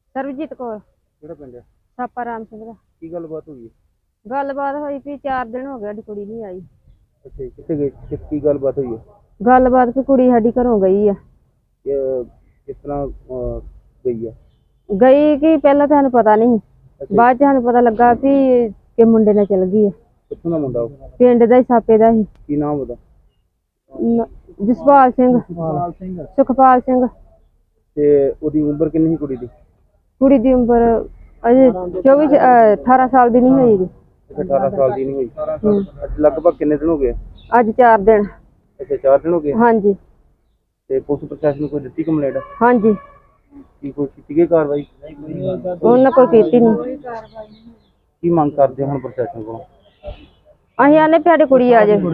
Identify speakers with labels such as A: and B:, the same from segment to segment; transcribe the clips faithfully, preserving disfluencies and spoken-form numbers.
A: ਸਰਬਜੀਤ ਕੌਰ।
B: ਕਿਹੜਾ ਪਿੰਡ ਹੈ?
A: ਛਾਪਾ ਰਾਮ ਸਿੰਘ ਦਾ।
B: ਕੀ ਗੱਲਬਾਤ ਹੋਈ ਹੈ?
A: ਗੱਲਬਾਤ ਹੋਈ ਵੀ ਚਾਰ ਦਿਨ ਹੋ ਗਏ ਸਾਡੀ ਕੁੜੀ ਨਹੀਂ ਆਈ।
B: ਅੱਛਾ ਜੀ, ਕਿੱਥੇ ਗਏ? ਕਿਸ ਕੀ ਗੱਲਬਾਤ ਹੋਈ ਹੈ?
A: ਗੱਲਬਾਤ ਵੀ ਕੁੜੀ ਸਾਡੀ ਘਰੋਂ ਗਈ ਆ।
B: ਕਿ- ਕਿਸ ਤਰ੍ਹਾਂ ਅਹ, ਗਈ ਹੈ?
A: ਗਈ ਕਿ ਪਹਿਲਾਂ ਤਾਂ ਸਾਨੂੰ ਪਤਾ ਨਹੀਂ,
B: ਅੱਛਾ
A: ਬਾਅਦ ਚ ਸਾਨੂੰ ਪਤਾ ਲੱਗਾ ਵੀ ਕਿ ਮੁੰਡੇ ਨਾਲ ਚਲ ਗਈ ਆ।
B: ਕਿੱਥੋਂ ਦਾ ਮੁੰਡਾ ਉਹ?
A: ਪਿੰਡ ਦਾ ਹੀ, ਛਾਪੇ ਦਾ ਹੀ।
B: ਕੀ ਨਾਮ ਉਹਦਾ?
A: ਨ- ਜਸਪਾਲ ਸਿੰਘ,
B: ਸੁਖਪਾਲ ਸਿੰਘ।
A: ਸੁਖਪਾਲ ਸਿੰਘ।
B: ਤੇ ਉਹਦੀ ਉਮਰ ਕਿੰਨੀ ਸੀ ਕੁੜੀ ਦੀ?
A: ਕੁੜੀ ਦੀ ਉਮਰ ਅਜੇ ਚੌਵੀ ਅਹ ਅਠਾਰਾਂ ਸਾਲ ਦੀ ਨਹੀਂ ਹੋਈ ਜੀ।
B: ਅਠਾਰਾਂ ਸਾਲ ਦੀ ਨਹੀਂ ਹੋਈ।
A: ਹੂੰ।
B: ਅੱਜ ਲਗਭਗ ਕਿੰਨੇ ਦਿਨ ਹੋ ਗਏ?
A: ਅੱਜ ਚਾਰ ਦਿਨ।
B: ਅੱਛਾ, ਚਾਰ ਦਿਨ ਹੋ ਗਏ।
A: ਹਾਂਜੀ
B: ਤੇ ਪੁਲਿਸ ਪ੍ਰਸ਼ਾਸਨ ਨੂੰ ਕੋਈ ਦਿੱਤੀ ਕੰਪਲੇਂਟ?
A: ਹਾਂਜੀ,
B: ਕੀ ਕੋਈ ਕੀਤੀ ਗਈ ਕਾਰਵਾਈ?
A: ਉਹਨਾਂ ਕੋਈ ਕੀਤੀ ਨਹੀਂ।
B: ਕੀ ਮੰਗ ਕਰਦੇ ਹੋ ਹੁਣ ਪ੍ਰਸ਼ਾਸਨ ਕੋਲੋਂ?
A: ਅਸੀਂ ਆਨੇ ਵੀ ਸਾਡੀ ਕੁੜੀ ਆ ਜਾਏ।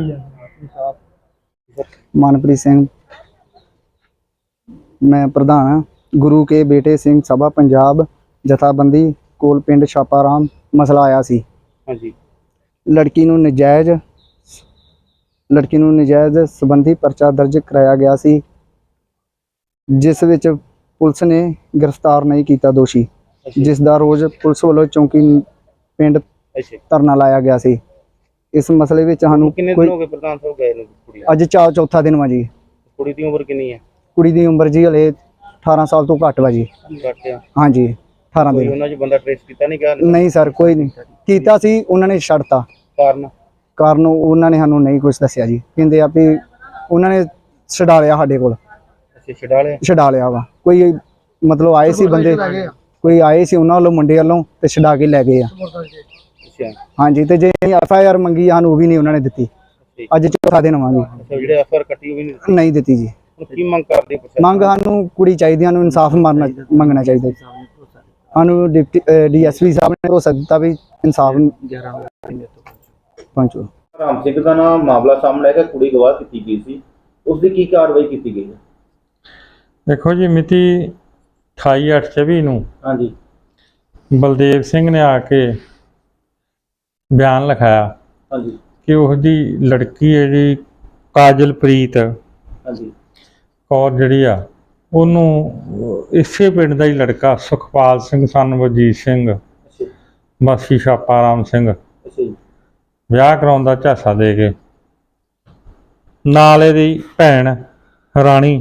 C: ਮਨਪ੍ਰੀਤ ਸਿੰਘ, ਮੈਂ ਪ੍ਰਧਾਨ ਹਾਂ ਗੁਰੂ ਕੇ ਬੇਟੇ ਸਿੰਘ ਸਭਾ ਪੰਜਾਬ ਜਥਾਬੰਦੀ ਕੋਲ ਪਿੰਡ ਛਾਪਾਰਾਮ। ਮਸਲਾ ਆਇਆ ਸੀ,
B: ਹਾਂਜੀ।
C: ਲੜਕੀ ਨੂੰ ਨਜਾਇਜ਼ ਲੜਕੀ ਨੂੰ ਨਜਾਇਜ਼ ਸੰਬੰਧੀ ਪਰਚਾ ਦਰਜ ਕਰਾਇਆ ਗਿਆ ਸੀ, ਜਿਸ ਵਿੱਚ ਪੁਲਿਸ ਨੇ ਗ੍ਰਿਫਤਾਰ ਨਹੀਂ ਕੀਤਾ ਦੋਸ਼ੀ, ਜਿਸ ਦਾ ਰੋਜ਼ ਪੁਲਿਸ ਵੱਲੋਂ ਚੌਂਕੀ ਪਿੰਡ
B: ਅੱਛਾ,
C: ਧਰਨਾ ਲਾਇਆ ਗਿਆ ਸੀ। ਇਸ ਮਸਲੇ ਵਿੱਚ ਸਾਨੂੰ
B: ਕਿੰਨੇ ਦਿਨ ਹੋ ਗਏ ਪ੍ਰਧਾਨ ਸਾਹਿਬ ਗਏ ਨੂੰ ਕੁੜੀ ਨੂੰ?
C: ਅੱਜ ਚਾ ਚੌਥਾ ਦਿਨ ਵਾ ਜੀ।
B: ਕੁੜੀ ਦੀ ਉਮਰ ਕਿੰਨੀ ਹੈ?
C: ਕੁੜੀ ਦੀ ਉਮਰ ਜੀ ਹਲੇ ਅਠਾਰਾਂ ਸਾਲ ਤੋਂ ਘੱਟ ਵਾ ਜੀ।
B: ਘੱਟ ਆ।
C: ਹਾਂਜੀ, ਅਠਾਰਾਂ
B: ਕੋਈ
C: ਦਿਨ।
B: ਉਹਨਾਂ 'ਚ ਬੰਦਾ ਟ੍ਰੇਸ ਕੀਤਾ ਨਹੀਂ ਗਿਆ?
C: ਨਹੀਂ ਸਰ, ਕੋਈ ਨਹੀਂ ਕੀਤਾ ਸੀ, ਉਹਨਾਂ ਨੇ ਛੱਡਤਾ।
B: ਕਾਰਨ?
C: ਕਾਰਨ ਉਹਨਾਂ ਨੇ ਸਾਨੂੰ ਨਹੀਂ ਕੁਝ ਦੱਸਿਆ ਜੀ। ਕਹਿੰਦੇ ਆ ਵੀ ਉਹਨਾਂ ਨੇ ਛਡਾ ਲਿਆ ਸਾਡੇ ਕੋਲ,
B: ਅੱਛਾ, ਛਡਾ ਲਿਆ।
C: ਛਡਾ ਲਿਆ ਵਾ। ਕੋਈ ਮਤਲਬ ਆਏ ਸੀ ਬੰਦੇ, ਕੋਈ ਆਏ ਸੀ ਉਹਨਾਂ ਵੱਲੋਂ ਮੁੰਡੇ ਵੱਲੋਂ, ਤੇ ਛਡਾ ਕੇ ਲੈ ਗਏ ਆ।
B: ਅੱਛਾ
C: ਹਾਂਜੀ, ਤੇ ਜੇ ਐਫ ਆਈ ਆਰ ਮੰਗੀ ਸਾਨੂੰ ਉਹ ਵੀ ਨਹੀਂ ਉਹਨਾਂ ਨੇ ਦਿੱਤੀ। ਅੱਜ ਚੌਥਾ ਦਿਨ ਵਾ ਜੀ,
B: ਅੱਛਾ, ਜਿਹੜੇ ਐਫ ਆਰ ਕੱਟੀ ਉਹ ਵੀ ਨਹੀਂ?
C: ਨਹੀਂ ਦਿੱਤੀ ਜੀ।
B: ਹੁਣ ਕੀ ਮੰਗ ਕਰਦੇ ਹੋ?
C: ਮੰਗ ਸਾਨੂੰ ਕੁੜੀ ਚਾਹੀਦੀ, ਸਾਨੂੰ ਇਨਸਾਫ ਮਾਰਨਾ ਮੰਗਣਾ ਚਾਹੀਦਾ ਜੀ। ਸਾਨੂੰ ਡਿਪਟੀ ਡੀ ਐਸ ਪੀ ਸਾਹਿਬ ਨੇ ਭਰੋਸਾ ਦਿੱਤਾ ਵੀ ਇਨਸਾਫ ਪਹੁੰਚੋ।
B: ਰਾਮ ਸਿੰਘ ਦਾ ਨਾਮ ਮਾਮਲਾ ਸਾਹਮਣੇ ਆਇਆ, ਕੁੜੀ ਗਵਾਹ ਕੀਤੀ ਗਈ ਸੀ, ਉਸ ਦੀ ਕੀ ਕਾਰਵਾਈ ਕੀਤੀ ਗਈ ਹੈ?
D: ਦੇਖੋ ਜੀ, ਮਿਤੀ ਅਠਾਈ ਅੱਠ ਚੌਵੀ ਨੂੰ
B: ਹਾਂਜੀ,
D: ਬਲਦੇਵ ਸਿੰਘ ਨੇ ਆ ਕੇ ਬਿਆਨ ਲਿਖਾਇਆ
B: ਹਾਂਜੀ,
D: ਕਿ ਉਹਦੀ ਲੜਕੀ ਹੈ ਜੀ ਕਾਜਲਪ੍ਰੀਤ
B: ਹਾਂਜੀ,
D: ਕੌਰ ਜਿਹੜੀ ਆ, ਉਹਨੂੰ ਇਸੇ ਪਿੰਡ ਦਾ ਹੀ ਲੜਕਾ ਸੁਖਪਾਲ ਸਿੰਘ ਸਨ ਵਜੀਤ ਸਿੰਘ
B: ਅੱਛਾ,
D: ਵਾਸੀ ਛਾਪਾ ਰਾਮ ਸਿੰਘ
B: ਅੱਛਾ ਜੀ,
D: ਵਿਆਹ ਕਰਾਉਣ ਦਾ ਝਾਂਸਾ ਦੇ ਕੇ ਨਾਲ ਇਹਦੀ ਭੈਣ ਰਾਣੀ,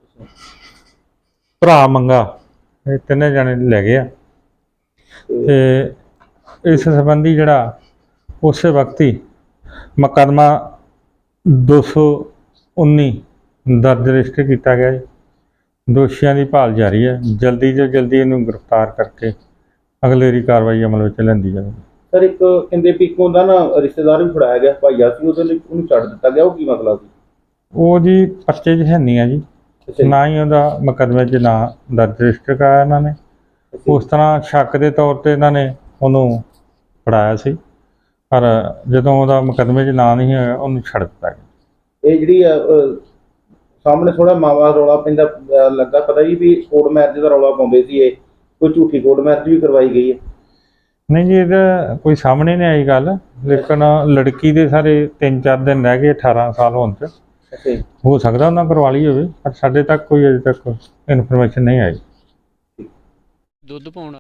D: ਭਰਾ ਮੰਗਾ, ਇਹ ਤਿੰਨੇ ਜਣੇ ਲੈ ਗਏ ਆ। ਤੇ ਇਸ ਸੰਬੰਧੀ ਜਿਹੜਾ ਉਸੇ ਵਕਤ ਹੀ ਮੁਕੱਦਮਾ ਦੋ ਸੌ ਉੱਨੀ ਦਰਜ ਰਜਿਸਟਰ ਕੀਤਾ ਗਿਆ ਜੀ। ਦੋਸ਼ੀਆਂ ਦੀ ਭਾਲ ਜਾਰੀ ਹੈ, ਜਲਦੀ ਤੋਂ ਜਲਦੀ ਇਹਨੂੰ ਗ੍ਰਿਫਤਾਰ ਕਰਕੇ ਅਗਲੇਰੀ ਕਾਰਵਾਈ ਅਮਲ ਵਿੱਚ ਲਿਆਂਦੀ ਜਾਵੇ।
B: ਸਰ ਇੱਕ ਕਹਿੰਦੇ ਵੀ ਇੱਕ ਹੁੰਦਾ ਨਾ ਰਿਸ਼ਤੇਦਾਰ ਵੀ ਫੜਾਇਆ ਗਿਆ, ਭਾਈਆ ਸੀ, ਉਹਦੇ ਲਈ ਉਹਨੂੰ ਛੱਡ ਦਿੱਤਾ ਗਿਆ, ਉਹ ਕੀ ਮਸਲਾ ਸੀ?
D: ਉਹ ਜੀ ਪਰਚੇ 'ਚ ਹੈ ਨਹੀਂ ਆ ਜੀ,
B: ਅੱਛਾ ਜੀ,
D: ਨਾ ਹੀ ਉਹਦਾ ਮੁਕੱਦਮੇ 'ਚ ਨਾਂ ਦਰਜ ਰਜਿਸਟਰ ਕਰਾਇਆ ਇਹਨਾਂ ਨੇ।
B: ਅੱਛਾ
D: ਉਸ ਤਰ੍ਹਾਂ ਸ਼ੱਕ ਦੇ ਤੌਰ ਤੇ ਇਹਨਾਂ ਨੇ ਉਹਨੂੰ ਫੜਾਇਆ ਸੀ, ਪਰ ਜਦੋਂ ਉਹਦਾ ਮੁਕੱਦਮੇ 'ਚ ਨਾਂ ਨਹੀਂ ਹੋਇਆ ਉਹਨੂੰ ਛੱਡ ਦਿੱਤਾ ਗਿਆ।
B: ਇਹ ਜਿਹੜੀ ਅਹ, ਅਹ, ਸਾਹਮਣੇ ਥੋੜਾ ਮਾਵਾ ਰੌਲਾ ਪੈਂਦਾ ਅਹ, ਲੱਗਾ ਪਤਾ ਜੀ ਵੀ ਕੋਰਟ ਮੈਰਿਜ ਦਾ ਰੌਲਾ ਪਾਉਂਦੇ ਸੀ, ਇਹ ਕੋਈ ਝੂਠੀ ਕੋਰਟ ਮੈਰਿਜ ਵੀ ਕਰਵਾਈ ਗਈ ਹੈ?
D: ਨਹੀਂ ਜੀ, ਇਹਦਾ ਕੋਈ ਸਾਹਮਣੇ ਨਹੀਂ ਆਈ ਗੱਲ, ਲੇਕਿਨ ਲੜਕੀ ਦੇ ਸਾਰੇ ਤਿੰਨ ਚਾਰ ਦਿਨ ਰਹਿ ਗਏ ਅਠਾਰਾਂ ਸਾਲ ਹੋਣ 'ਚ।
B: ਅੱਛਾ ਜੀ,
D: ਹੋ ਸਕਦਾ ਉਹਨਾਂ ਕਰਵਾ ਲਈ ਹੋਵੇ, ਪਰ ਸਾਡੇ ਤੱਕ ਕੋਈ ਅਜੇ ਤੱਕ ਇਨਫੋਰਮੇਸ਼ਨ ਨਹੀਂ ਆਈ।
E: ਦੁੱਧ ਪਾਉਣਾ